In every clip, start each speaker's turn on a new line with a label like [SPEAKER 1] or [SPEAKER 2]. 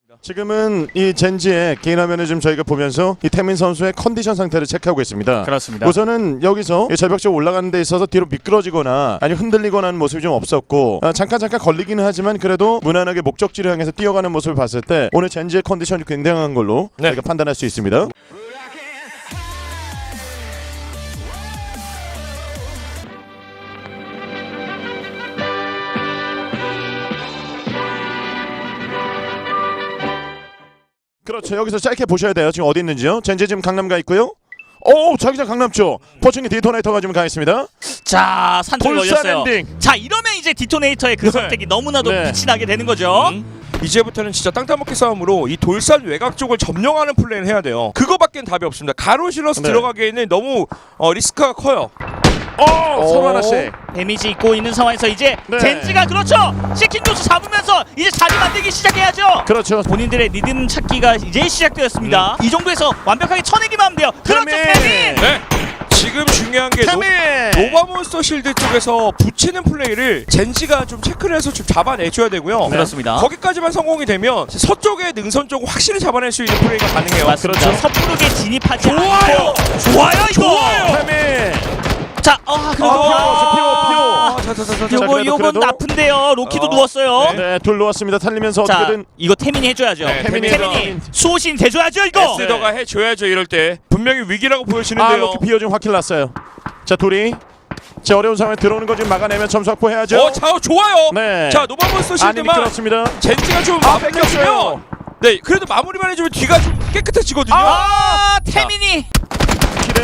[SPEAKER 1] 지금은 이 젠지의 개인 화면을 좀 저희가 보면서 이 태민 선수의 컨디션 상태를 체크하고 있습니다.
[SPEAKER 2] 그렇습니다.
[SPEAKER 1] 우선은 여기서 절벽 쪽 올라가는 데 있어서 뒤로 미끄러지거나 아니 흔들리거나 하는 모습이 좀 없었고 잠깐 걸리기는 하지만 그래도 무난하게 목적지를 향해서 뛰어가는 모습을 봤을 때 오늘 젠지의 컨디션이 굉장한 걸로 저희가 판단할 수 있습니다. 그렇죠. 여기서 짧게 보셔야 돼요. 지금 어디 있는지요? 젠지 지금 강남 가 있고요. 오, 자기장 강남 쪽. 포칭이 디토네이터가 지금 가 있습니다.
[SPEAKER 2] 자, 산출 걸렸어요.
[SPEAKER 1] 엔딩.
[SPEAKER 2] 자, 이러면 이제 디토네이터의 그 선택이 너무나도 빛이 나게 되는 거죠.
[SPEAKER 3] 이제부터는 진짜 땅따먹기 싸움으로 이 돌산 외곽 쪽을 점령하는 플레이를 해야 돼요. 그거밖엔 답이 없습니다. 가로실러서 들어가기에는 너무 리스크가 커요.
[SPEAKER 1] 서로 하나씩.
[SPEAKER 2] 데미지 입고 있는 상황에서 이제 젠지가 그렇죠. 시킨 조수 잡으면서 이제 자리 만들기 시작해야죠.
[SPEAKER 1] 그렇죠.
[SPEAKER 2] 본인들의 리듬 찾기가 이제 시작되었습니다. 이 정도에서 완벽하게 쳐내기만 하면 돼요. 그렇죠, 태민.
[SPEAKER 3] 네. 지금 중요한 게 노바몬스터 실드 쪽에서 붙이는 플레이를 젠지가 좀 체크를 해서 좀 잡아내줘야 되고요.
[SPEAKER 2] 그렇습니다.
[SPEAKER 3] 거기까지만 성공이 되면 서쪽의 능선 쪽을 확실히 잡아낼 수 있는 플레이가 가능해요.
[SPEAKER 2] 맞습니다.
[SPEAKER 1] 그렇죠.
[SPEAKER 2] 섣부르게 진입하지
[SPEAKER 3] 좋아요.
[SPEAKER 2] 않고 좋아요 이거.
[SPEAKER 3] 좋아요.
[SPEAKER 1] 태민.
[SPEAKER 2] 자,
[SPEAKER 1] 피오.
[SPEAKER 2] 요건 나쁜데요. 로키도 누웠어요.
[SPEAKER 1] 네, 둘 놓았습니다. 살리면서
[SPEAKER 2] 자,
[SPEAKER 1] 어떻게든
[SPEAKER 2] 이거 태민이 해줘야죠.
[SPEAKER 3] 네,
[SPEAKER 2] 태민이 수호신 대줘야죠 이거.
[SPEAKER 3] 에스더가 해줘야죠. 이럴 때 분명히 위기라고 보여지는데요.
[SPEAKER 1] 로키 피오 지금 확킬 났어요. 자, 둘이 자 어려운 상황에 들어오는 거 지금 막아내면 점수 확보해야죠.
[SPEAKER 3] 자, 좋아요.
[SPEAKER 1] 네.
[SPEAKER 3] 자, 노바몬스터 실드만
[SPEAKER 1] 미끄럽습니다.
[SPEAKER 3] 젠지가 좀 뺏겼으면 네, 그래도 마무리만 해주면 뒤가 좀 깨끗해지거든요.
[SPEAKER 2] 태민이
[SPEAKER 1] 킬은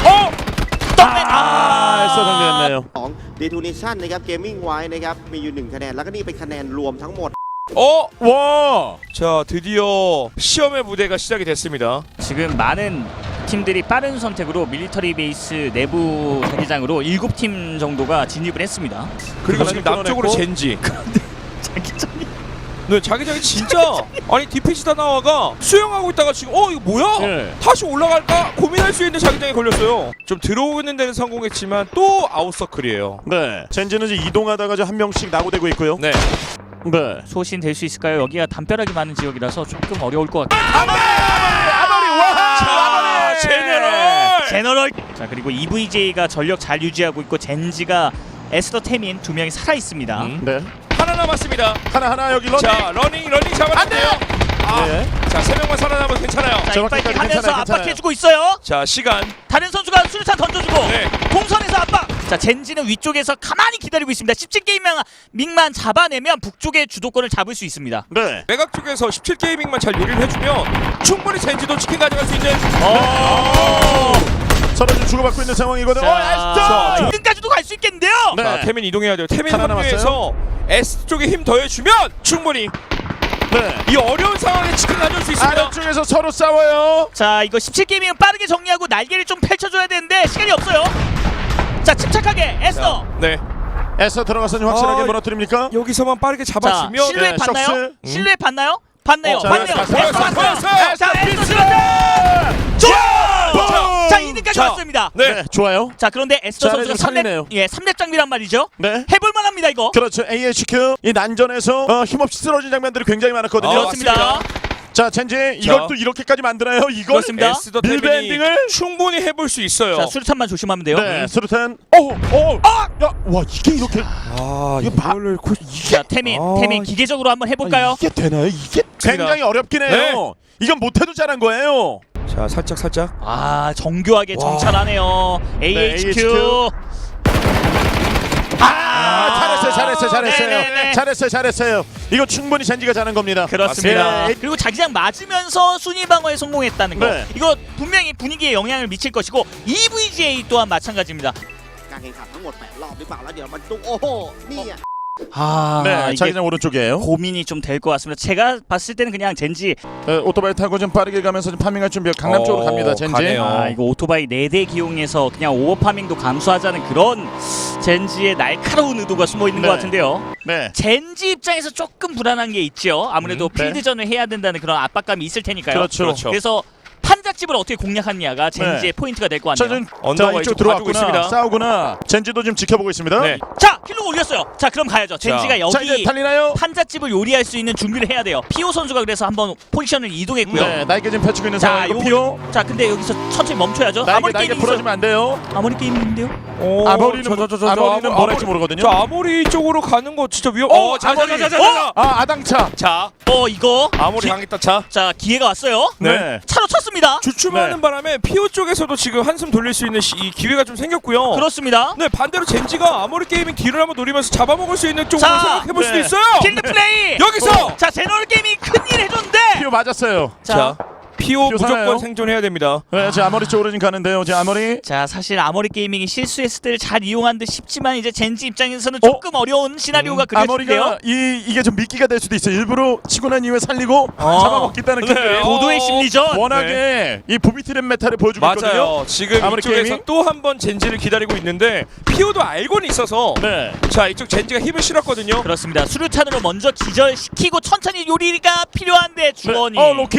[SPEAKER 1] 에서 정리했네요.
[SPEAKER 4] ดีทูนิชั่นนะครับเกมมิ่งไว้นะครับมีอยู่1คะแนนแล้วก็นี่เป็นคะแนนรวมทั้งหมด
[SPEAKER 1] 와.
[SPEAKER 3] 자, 드디어 시험의 무대가 시작이 됐습니다.
[SPEAKER 2] 지금 많은 팀들이 빠른 선택으로 밀리터리 베이스 내부 자기장으로 7팀 정도가 진입을 했습니다.
[SPEAKER 3] 그리고 지금 남쪽으로 젠지.
[SPEAKER 2] 자기장이
[SPEAKER 3] 네, 자기장이 진짜 아니 디피시다 나와가 수영하고 있다가 지금 이거 뭐야?
[SPEAKER 1] 네.
[SPEAKER 3] 다시 올라갈까 고민할 수 있는 자기장에 걸렸어요. 좀 들어오는 데는 성공했지만 또 아웃서클이에요.
[SPEAKER 1] 네. 젠지는 이제 이동하다가 한 명씩 나고되고 있고요.
[SPEAKER 3] 네.
[SPEAKER 1] 네.
[SPEAKER 2] 소신 될 수 있을까요? 여기가 담벼락이 많은 지역이라서 조금 어려울 것 같아요.
[SPEAKER 3] 자,
[SPEAKER 2] 제너럴. 자, 그리고 EVJ가 전력 잘 유지하고 있고 젠지가 에스더 태민 두 명이 살아 있습니다.
[SPEAKER 1] 네.
[SPEAKER 3] 하나 남았습니다.
[SPEAKER 1] 하나 여기 러닝.
[SPEAKER 3] 자, 러닝 잡았는데요.
[SPEAKER 1] 네.
[SPEAKER 3] 자, 3명만 살아남아도 괜찮아요.
[SPEAKER 2] 자,
[SPEAKER 1] 정확히
[SPEAKER 2] 이빨기 하면서
[SPEAKER 1] 괜찮아요.
[SPEAKER 2] 압박해주고 있어요.
[SPEAKER 3] 자, 시간.
[SPEAKER 2] 다른 선수가 수류탄 던져주고
[SPEAKER 3] 네.
[SPEAKER 2] 동선에서 압박. 자, 젠지는 위쪽에서 가만히 기다리고 있습니다. 17게임만 잡아내면 북쪽의 주도권을 잡을 수 있습니다.
[SPEAKER 1] 네.
[SPEAKER 3] 외곽 쪽에서 17게이밍만 잘 요리를 해주면 충분히 젠지도 치킨 가져갈 수 있는.
[SPEAKER 1] 서로 좀 주고받고 있는 상황이거든요.
[SPEAKER 2] 자, 끝까지도 갈 수 있겠는데요.
[SPEAKER 1] 네.
[SPEAKER 3] 자, 태민 이동해야 돼요. 태민
[SPEAKER 1] 하나
[SPEAKER 3] 합류해서 S 쪽에 힘 더해주면 충분히
[SPEAKER 1] 네.
[SPEAKER 3] 이 어려운 상황에 치킨 가져올 수 있습니다.
[SPEAKER 1] 아래쪽에서 서로 싸워요.
[SPEAKER 2] 자, 이거 17게임이면 빠르게 정리하고 날개를 좀 펼쳐줘야 되는데 시간이 없어요. 자, 침착하게 에스더.
[SPEAKER 3] 네.
[SPEAKER 1] 에서 들어가서 좀 확실하게 무너뜨립니까?
[SPEAKER 3] 여기서는 빠르게
[SPEAKER 2] 자,
[SPEAKER 3] 잡아주면
[SPEAKER 2] 실루엣
[SPEAKER 1] 네,
[SPEAKER 2] 봤나요?
[SPEAKER 1] 셔츠.
[SPEAKER 2] 실루엣 봤나요? 봤네요.
[SPEAKER 1] 자,
[SPEAKER 2] 봤네요.
[SPEAKER 1] 보였어요.
[SPEAKER 2] 자, 에스더 수류탄. 좋아. 자, 2등까지 왔습니다.
[SPEAKER 3] 네.
[SPEAKER 1] 네, 좋아요.
[SPEAKER 2] 자, 그런데 에스더
[SPEAKER 1] 자,
[SPEAKER 2] 선수가
[SPEAKER 1] 지금 살리네요.
[SPEAKER 2] 3렙 장비란 말이죠.
[SPEAKER 1] 네.
[SPEAKER 2] 해볼 만합니다 이거.
[SPEAKER 1] 그렇죠. AHQ 이 난전에서 힘없이 쓰러진 장면들이 굉장히 많았거든요.
[SPEAKER 2] 그렇습니다.
[SPEAKER 1] 자, 젠지 이걸 또 이렇게까지 만드나요? 이걸
[SPEAKER 2] 그렇습니다.
[SPEAKER 3] 에스더
[SPEAKER 1] 밀베
[SPEAKER 3] 태민이
[SPEAKER 1] 엔딩을?
[SPEAKER 3] 충분히 해볼 수 있어요.
[SPEAKER 2] 자, 수류탄만 조심하면 돼요.
[SPEAKER 1] 네, 수류탄. 야, 와 이게 이렇게
[SPEAKER 3] 아,
[SPEAKER 1] 이거
[SPEAKER 3] 이거를
[SPEAKER 2] 자, 태민 기계적으로 한번 해볼까요?
[SPEAKER 1] 이게 되나요? 이게 굉장히 어렵긴 해요.
[SPEAKER 3] 네.
[SPEAKER 1] 이건 못해도 잘한 거예요.
[SPEAKER 3] 자, 살짝.
[SPEAKER 2] 아, 정교하게 정찰하네요. AHQ.
[SPEAKER 1] 잘했어요. 잘했어요. 이거 충분히 젠지가 잘한 겁니다.
[SPEAKER 2] 그렇습니다.
[SPEAKER 1] 네.
[SPEAKER 2] 그리고 자기장 맞으면서 순위 방어에 성공했다는 거.
[SPEAKER 1] 네.
[SPEAKER 2] 이거 분명히 분위기에 영향을 미칠 것이고 EVGA 또한 마찬가지입니다.
[SPEAKER 4] การแข่งขันทั้งหมด8รอบหรือเปล่าแล้วเดี๋ยวมันตุ้งโอ้โหนี่
[SPEAKER 2] 아,
[SPEAKER 1] 네,
[SPEAKER 2] 이게
[SPEAKER 1] 자기장 오른쪽이에요.
[SPEAKER 2] 고민이 좀 될 것 같습니다. 제가 봤을 때는 그냥 젠지
[SPEAKER 1] 오토바이 타고 좀 빠르게 가면서 좀 파밍할 준비. 강남 쪽으로 갑니다. 젠지.
[SPEAKER 3] 가네요.
[SPEAKER 2] 이거 오토바이 4대 기용해서 그냥 오버파밍도 감수하자는 그런 젠지의 날카로운 의도가 숨어 있는
[SPEAKER 1] 네.
[SPEAKER 2] 것 같은데요.
[SPEAKER 1] 네.
[SPEAKER 2] 젠지 입장에서 조금 불안한 게 있죠. 아무래도
[SPEAKER 1] 네.
[SPEAKER 2] 필드전을 해야 된다는 그런 압박감이 있을 테니까요.
[SPEAKER 1] 그렇죠.
[SPEAKER 2] 그래서 판자 판잣집을 어떻게 공략하느냐가 젠지의 포인트가 될 것
[SPEAKER 1] 자,
[SPEAKER 2] 같네요.
[SPEAKER 3] 언더가
[SPEAKER 1] 이쪽
[SPEAKER 3] 이쪽
[SPEAKER 1] 들어왔구나.
[SPEAKER 3] 가지고 있습니다.
[SPEAKER 1] 싸우구나. 젠지도 지금 지켜보고 있습니다.
[SPEAKER 3] 네.
[SPEAKER 2] 자, 킬로 올렸어요. 자, 그럼 가야죠. 젠지가
[SPEAKER 1] 자, 이제
[SPEAKER 2] 여기
[SPEAKER 1] 달리나요?
[SPEAKER 2] 판잣집을 요리할 수 있는 준비를 해야 돼요. 피오 선수가 그래서 한번 포지션을 이동했고요.
[SPEAKER 1] 네, 나이게 지금 펼치고 있는
[SPEAKER 2] 자,
[SPEAKER 1] 상황이고 피오.
[SPEAKER 2] 자, 근데 여기서 천천히 멈춰야죠.
[SPEAKER 1] 나이게
[SPEAKER 2] 아머리
[SPEAKER 1] 나이게
[SPEAKER 2] 게임이
[SPEAKER 1] 부러지면 안 돼요.
[SPEAKER 2] 아머리 게임인데요.
[SPEAKER 1] 아머리는 아머리는 뭘 할지 모르거든요.
[SPEAKER 3] 저 아모리 쪽으로 가는 거 진짜 위험.
[SPEAKER 1] 아모리.
[SPEAKER 3] 자.
[SPEAKER 1] 아, 아당차.
[SPEAKER 3] 자,
[SPEAKER 2] 이거
[SPEAKER 3] 아모리 당했다. 자,
[SPEAKER 2] 자, 기회가 왔어요.
[SPEAKER 1] 네.
[SPEAKER 2] 차로 쳤습니다.
[SPEAKER 3] 주춤하는
[SPEAKER 1] 네.
[SPEAKER 3] 바람에 피오 쪽에서도 지금 한숨 돌릴 수 있는 이 기회가 좀 생겼고요.
[SPEAKER 2] 그렇습니다.
[SPEAKER 3] 네, 반대로 젠지가 아모리 게이밍 뒤를 한번 노리면서 잡아먹을 수 있는 쪽으로
[SPEAKER 2] 자,
[SPEAKER 3] 생각해볼 수도
[SPEAKER 1] 네.
[SPEAKER 3] 있어요.
[SPEAKER 2] 킬드 플레이.
[SPEAKER 3] 여기서
[SPEAKER 2] 자, 제너럴 게임이 큰일 해줬는데.
[SPEAKER 1] 피오 맞았어요.
[SPEAKER 3] 자, 피오
[SPEAKER 1] 피오
[SPEAKER 3] 무조건
[SPEAKER 1] 살아요?
[SPEAKER 3] 생존해야 됩니다.
[SPEAKER 1] 네, 지금 아머리 쪽으로 지금 가는데요. 지금 아머리.
[SPEAKER 2] 자, 사실 아머리 게이밍이 실수했을 때를 잘 이용한 듯 싶지만 이제 젠지 입장에서는 조금 어려운 시나리오가 그려지는데요.
[SPEAKER 1] 아머리가 이게 좀 미끼가 될 수도 있어요. 일부러 치고 난 이후에 살리고 잡아먹겠다는
[SPEAKER 3] 네.
[SPEAKER 1] 게
[SPEAKER 2] 고도의 심리전.
[SPEAKER 1] 워낙에 이 부비트랩 메타를 보여주고 있거든요.
[SPEAKER 3] 맞아요. 지금
[SPEAKER 1] 아모리
[SPEAKER 3] 이쪽에서
[SPEAKER 1] 게이밍?
[SPEAKER 3] 또 한 번 젠지를 기다리고 있는데 피오도 알고는 있어서
[SPEAKER 1] 네.
[SPEAKER 3] 자, 이쪽 젠지가 힘을 실었거든요.
[SPEAKER 2] 그렇습니다. 수류탄으로 먼저 기절시키고 천천히 요리가 필요한데 주원이.
[SPEAKER 1] 네. 로키.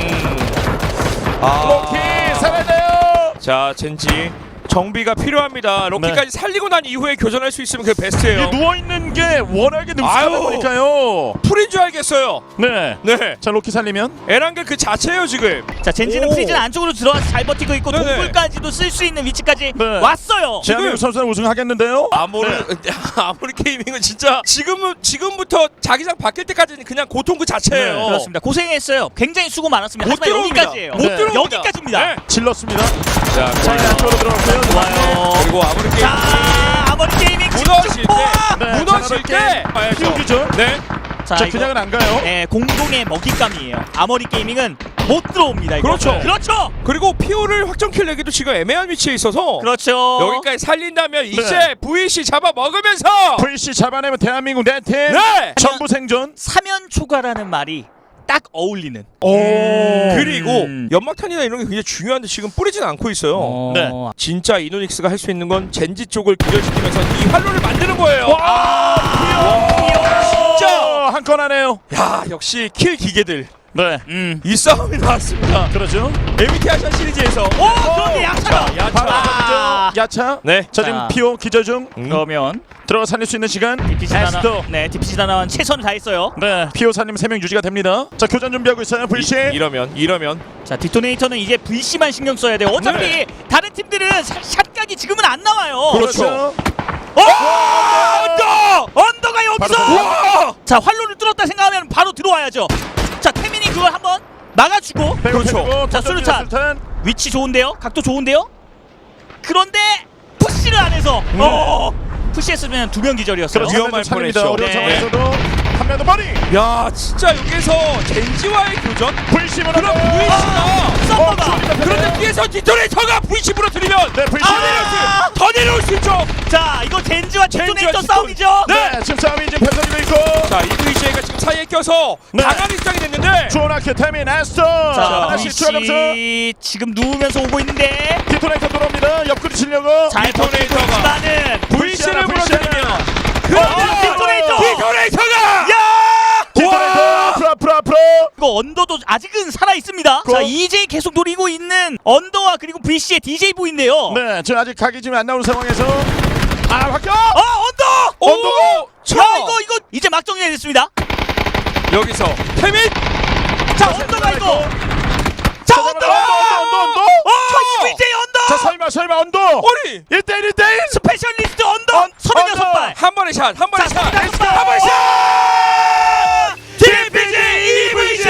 [SPEAKER 1] 로키 살아나요.
[SPEAKER 3] 자, 젠지 정비가 필요합니다. 로키까지 살리고 난 이후에 교전할 수 있으면 그게 베스트예요.
[SPEAKER 1] 누워 있는 게 워낙에 능숙하다
[SPEAKER 3] 아유.
[SPEAKER 1] 보니까요.
[SPEAKER 3] 풀인 줄 알겠어요.
[SPEAKER 1] 네.
[SPEAKER 3] 네,
[SPEAKER 1] 자, 로키 살리면
[SPEAKER 3] 에란겔 그 자체예요 지금.
[SPEAKER 2] 자, 젠지는
[SPEAKER 3] 오.
[SPEAKER 2] 프리즌 안쪽으로 들어와서 잘 버티고 있고
[SPEAKER 3] 네네.
[SPEAKER 2] 동굴까지도 쓸 수 있는 위치까지
[SPEAKER 1] 네.
[SPEAKER 2] 왔어요.
[SPEAKER 1] 대한민국 선수는 우승하겠는데요.
[SPEAKER 3] 아모리 아모리 게이밍은 진짜 지금부터 자기장 바뀔 때까지는 그냥 고통 그 자체예요.
[SPEAKER 1] 네,
[SPEAKER 2] 그렇습니다. 고생했어요. 굉장히 수고 많았습니다.
[SPEAKER 3] 못
[SPEAKER 2] 하지만
[SPEAKER 3] 들어옵니다.
[SPEAKER 2] 여기까지예요.
[SPEAKER 3] 못
[SPEAKER 1] 네.
[SPEAKER 3] 들어옵니다.
[SPEAKER 2] 여기까지입니다.
[SPEAKER 3] 네.
[SPEAKER 1] 질렀습니다.
[SPEAKER 3] 자,
[SPEAKER 1] 자, 이제 안쪽으로 들어갔고요.
[SPEAKER 2] 좋아요.
[SPEAKER 3] 그리고 아모리 게이밍
[SPEAKER 2] 자, 아머리 게이밍
[SPEAKER 3] 무너질
[SPEAKER 2] 집중 포화.
[SPEAKER 3] 때,
[SPEAKER 1] 네,
[SPEAKER 3] 무너질 때 봐야죠.
[SPEAKER 1] 피우기죠.
[SPEAKER 3] 네.
[SPEAKER 2] 자,
[SPEAKER 1] 자,
[SPEAKER 2] 이거,
[SPEAKER 1] 그냥은 안 가요.
[SPEAKER 2] 네, 공동의 먹잇감이에요. 아머리 게이밍은 못 들어옵니다. 이거.
[SPEAKER 3] 그렇죠.
[SPEAKER 2] 그렇죠.
[SPEAKER 3] 그리고 피오를 확정킬 내기도 지금 애매한 위치에 있어서
[SPEAKER 2] 그렇죠.
[SPEAKER 3] 여기까지 살린다면 이제
[SPEAKER 1] 네.
[SPEAKER 3] VC 잡아 먹으면서
[SPEAKER 1] VC 잡아내면 대한민국 네 팀.
[SPEAKER 3] 네.
[SPEAKER 1] 전부 생존.
[SPEAKER 2] 사면 초과라는 말이 딱 어울리는.
[SPEAKER 1] 오.
[SPEAKER 3] 그리고 연막탄이나 이런 게 굉장히 중요한데 지금 뿌리진 않고 있어요.
[SPEAKER 1] 네.
[SPEAKER 3] 진짜 이노닉스가 할 수 있는 건 젠지 쪽을 기절시키면서 이 활로를 만드는 거예요. 진짜
[SPEAKER 1] 한 건 하네요.
[SPEAKER 3] 야, 역시 킬 기계들.
[SPEAKER 1] 네.
[SPEAKER 3] 이 싸움이 나왔습니다.
[SPEAKER 1] 그렇죠.
[SPEAKER 3] MT 아시아 시리즈에서.
[SPEAKER 2] 그런데 야차가.
[SPEAKER 3] 야차.
[SPEAKER 2] 아.
[SPEAKER 1] 야차.
[SPEAKER 3] 네.
[SPEAKER 1] 자, 지금
[SPEAKER 2] 자.
[SPEAKER 1] 피오 기절 중.
[SPEAKER 2] 그러면
[SPEAKER 1] 들어가 살릴 수 있는 시간.
[SPEAKER 2] DPC
[SPEAKER 1] 에스더.
[SPEAKER 2] DPC 다나완 최선을 다했어요.
[SPEAKER 1] 네. 피오 사님 3명 유지가 됩니다. 자, 교전 준비하고 있어요. VC.
[SPEAKER 3] 이러면
[SPEAKER 2] 자, 디토네이터는 이제 VC만 신경 써야 돼요. 어차피
[SPEAKER 3] 네.
[SPEAKER 2] 다른 팀들은 샷각이 지금은 안 나와요.
[SPEAKER 3] 그렇죠.
[SPEAKER 2] 언더가 여기서.
[SPEAKER 1] 바로
[SPEAKER 2] 자, 활로를 뚫었다 생각하면 바로 들어와야죠. 자, 태민이 그걸 한번 막아주고.
[SPEAKER 1] 그렇죠.
[SPEAKER 2] 자, 수류탄. 위치 좋은데요? 각도 좋은데요? 그런데 푸시를 안 해서 푸시했으면 2명 기절이었어요.
[SPEAKER 3] 그렇죠. 위험할 뻔했죠.
[SPEAKER 1] 어려운
[SPEAKER 2] 네.
[SPEAKER 1] 상황에서도 한 명 더 머리.
[SPEAKER 3] 야, 진짜 여기서 젠지와의 교전?
[SPEAKER 1] VC
[SPEAKER 3] 그럼
[SPEAKER 1] 무너져.
[SPEAKER 3] VC가
[SPEAKER 2] 썸머가.
[SPEAKER 3] 그런데 뒤에서 디토네이터가 VC 부러뜨리면
[SPEAKER 1] 네, VC.
[SPEAKER 3] 더 내려올 수 있죠.
[SPEAKER 2] 자, 이거 젠지와 디토네이터
[SPEAKER 3] 디토-
[SPEAKER 2] 싸움이죠.
[SPEAKER 1] 네, 지금 싸움이 지금 펼쳐지고 있고.
[SPEAKER 3] 자, 이 VC가 지금 사이에 껴서
[SPEAKER 1] 네.
[SPEAKER 3] 강한 입장이 됐는데
[SPEAKER 1] 주원아케 태민 에스터.
[SPEAKER 2] 자,
[SPEAKER 1] 하나씩 추가점수.
[SPEAKER 2] VC 지금 누우면서 오고 있는데
[SPEAKER 1] 디토네이터 들어옵니다. 옆구리 치려고.
[SPEAKER 2] 잘 버티고 있지만은
[SPEAKER 3] VC를
[SPEAKER 1] VC
[SPEAKER 3] 부러뜨리면
[SPEAKER 2] 디토네이터가
[SPEAKER 1] 디토네이터 프로.
[SPEAKER 2] 이거 언더도 아직은 살아 있습니다. 자, EJ 계속 노리고 있는 언더와 그리고 VC의 DJ 보인데요.
[SPEAKER 1] 네, 지금 아직 각이 지금 안 나오는 상황에서 바뀌어.
[SPEAKER 2] 언더!
[SPEAKER 3] 오!
[SPEAKER 2] 자, 이거 이제 막정리가 됐습니다.
[SPEAKER 3] 여기서 태민!
[SPEAKER 2] 자, 언더가 이거. 자, 언더!
[SPEAKER 1] 언더.
[SPEAKER 2] VJ 언더!
[SPEAKER 1] 자, 설마 언더.
[SPEAKER 3] 어리!
[SPEAKER 1] 1대1.
[SPEAKER 2] 스페셜리스트 언더! 36발!
[SPEAKER 3] 한 번의 샷!
[SPEAKER 2] 자, 36발!
[SPEAKER 3] 한 번의 샷!
[SPEAKER 2] DPG EVJ!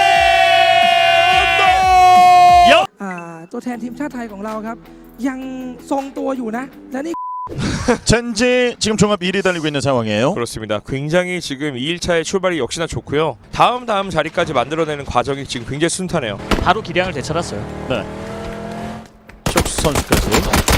[SPEAKER 5] ตัวแทนทีมชาติไทยของเราครับ ยังทรงตัวอยู่นะ และนี่
[SPEAKER 1] 젠지 지금 종합 1위 달리고 있는 상황이에요.
[SPEAKER 3] 그렇습니다. 굉장히 지금 2일차의 출발이 역시나 좋고요. 다음 자리까지 만들어내는 과정이 지금 굉장히 순탄해요.
[SPEAKER 2] 바로 기량을 되찾았어요.
[SPEAKER 1] 네. 촉수 선수까지.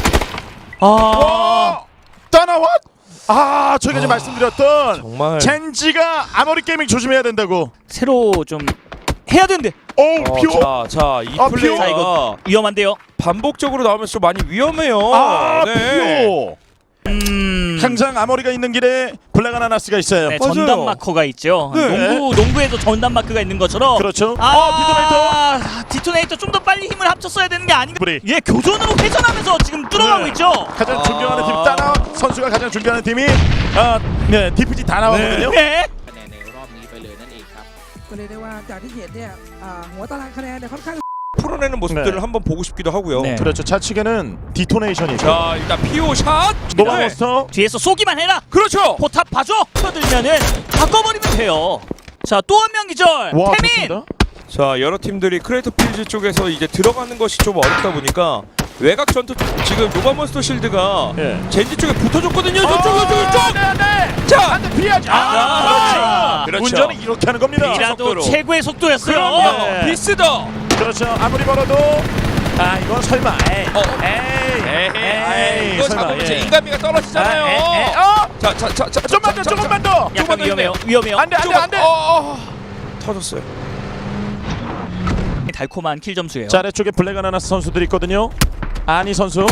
[SPEAKER 1] 떠나왔. 저희가 지금 말씀드렸던
[SPEAKER 3] 정말
[SPEAKER 1] 젠지가 아머리 게이밍 조심해야 된다고.
[SPEAKER 2] 새로 좀 해야 되는데
[SPEAKER 1] 피오.
[SPEAKER 3] 이
[SPEAKER 1] 피오.
[SPEAKER 3] 플레이가
[SPEAKER 2] 자, 이거 위험한데요.
[SPEAKER 3] 반복적으로 나오면서 좀 많이 위험해요. 네.
[SPEAKER 1] 피오. 항상 아모리가 있는 길에 블랙 아나나스가 있어요.
[SPEAKER 2] 네,
[SPEAKER 3] 맞아요.
[SPEAKER 2] 전담 마커가 있죠.
[SPEAKER 3] 네.
[SPEAKER 2] 농구에도 전담 마크가 있는 것처럼.
[SPEAKER 1] 그렇죠.
[SPEAKER 2] 디토네이터 좀 더 빨리 힘을 합쳤어야 되는 게 아닌가.
[SPEAKER 1] 브리.
[SPEAKER 2] 예, 교전으로 회전하면서 지금 뚫어가고
[SPEAKER 1] 네.
[SPEAKER 2] 있죠.
[SPEAKER 1] 가장 존경하는 팀 따나 선수가 가장 존경하는 팀이 DPG 다 나오거든요.
[SPEAKER 2] 네.
[SPEAKER 6] คะแนนในรอบนี้ไปเลยนั่นเองครับ
[SPEAKER 5] ก็เลยกได้ว่าจากที่เห็นเนี่ยหัวตารางคะแนนเนี่ยค่อนข้าง
[SPEAKER 3] 풀어내는 모습들을
[SPEAKER 1] 네.
[SPEAKER 3] 한번 보고 싶기도 하고요.
[SPEAKER 2] 네.
[SPEAKER 1] 그렇죠. 차측에는 디토네이션이죠.
[SPEAKER 3] 자 일단 피오 샷.
[SPEAKER 1] 노바몬스터
[SPEAKER 2] 뒤에서 쏘기만 해라.
[SPEAKER 3] 그렇죠.
[SPEAKER 2] 포탑 봐줘. 쳐들면은 바꿔버리면 돼요. 자, 또 한 명 기절.
[SPEAKER 1] 와
[SPEAKER 2] 태민.
[SPEAKER 1] 좋습니다.
[SPEAKER 3] 자 여러 팀들이 크레이터 필즈 쪽에서 이제 들어가는 것이 좀 어렵다 보니까 외곽 전투 지금 노바몬스터 실드가
[SPEAKER 1] 예.
[SPEAKER 3] 젠지 쪽에 붙어줬거든요. 저쪽.
[SPEAKER 1] 네.
[SPEAKER 3] 자
[SPEAKER 1] 피하지.
[SPEAKER 3] 그렇죠.
[SPEAKER 1] 운전은 이렇게 하는 겁니다.
[SPEAKER 2] 이라도
[SPEAKER 3] 속도로.
[SPEAKER 2] 최고의 속도였어요.
[SPEAKER 3] 그럼요.
[SPEAKER 1] 네.
[SPEAKER 3] 비스더.
[SPEAKER 1] 그렇죠. 아무리 멀어도 이건 설마. 에이.
[SPEAKER 3] 이거
[SPEAKER 1] 설마,
[SPEAKER 3] 잡으면 제
[SPEAKER 1] 예.
[SPEAKER 3] 인간미가 떨어지잖아요. 자
[SPEAKER 1] 좀만 더, 조금만 더.
[SPEAKER 2] 약간 위험해요. 위험해요.
[SPEAKER 1] 안돼.
[SPEAKER 3] 터졌어요.
[SPEAKER 2] 달콤한 킬 점수예요.
[SPEAKER 1] 자 아래쪽에 블랙 아나나스 선수들이 있거든요. 아니 선수.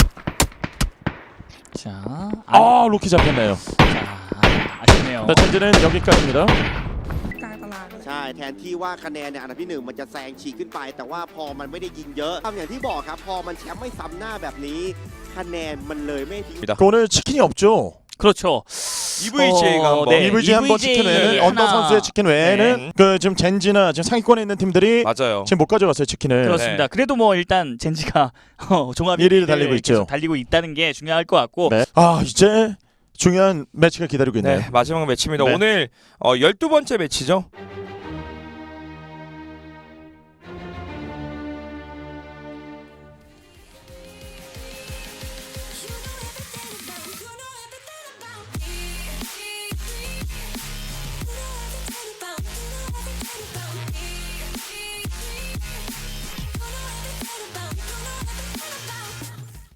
[SPEAKER 2] 자,
[SPEAKER 1] 로키 잡혔네요.
[SPEAKER 2] 아쉽네요.
[SPEAKER 1] 자 젠지는 여기까지입니다.
[SPEAKER 5] กลางตารางเลย
[SPEAKER 4] ใช่แทนที่ว่าคะแนนในอันดับที่หนึ่งมันจะแซงฉีกขึ้นไป แต่ว่าพอมันไม่ได้ยิงเยอะอย่างที่บอกครับพอมันแชมป์ไม่ซ้ำหน้าแบบนี้คะแนนมันเลยไม่ทิ้ง
[SPEAKER 1] 오늘 치킨이 없죠.
[SPEAKER 2] 그렇죠.
[SPEAKER 3] EVGA가 한번
[SPEAKER 2] 네.
[SPEAKER 1] EVG 한번 치킨 외에는 언더
[SPEAKER 2] 하나.
[SPEAKER 1] 선수의 치킨 외에는 그 지금 젠지나 지금 상위권에 있는 팀들이
[SPEAKER 3] 맞아요.
[SPEAKER 1] 지금 못 가져갔어요 치킨을.
[SPEAKER 2] 그렇습니다.
[SPEAKER 3] 네.
[SPEAKER 2] 그래도 뭐 일단 젠지가 종합
[SPEAKER 1] 1위를 달리고 있죠.
[SPEAKER 2] 계속 달리고 있다는 게 중요할 것 같고.
[SPEAKER 1] 네. 이제 중요한 매치가 기다리고 있네요.
[SPEAKER 3] 네 마지막 매치입니다.
[SPEAKER 1] 네.
[SPEAKER 3] 오늘 12번째 매치죠.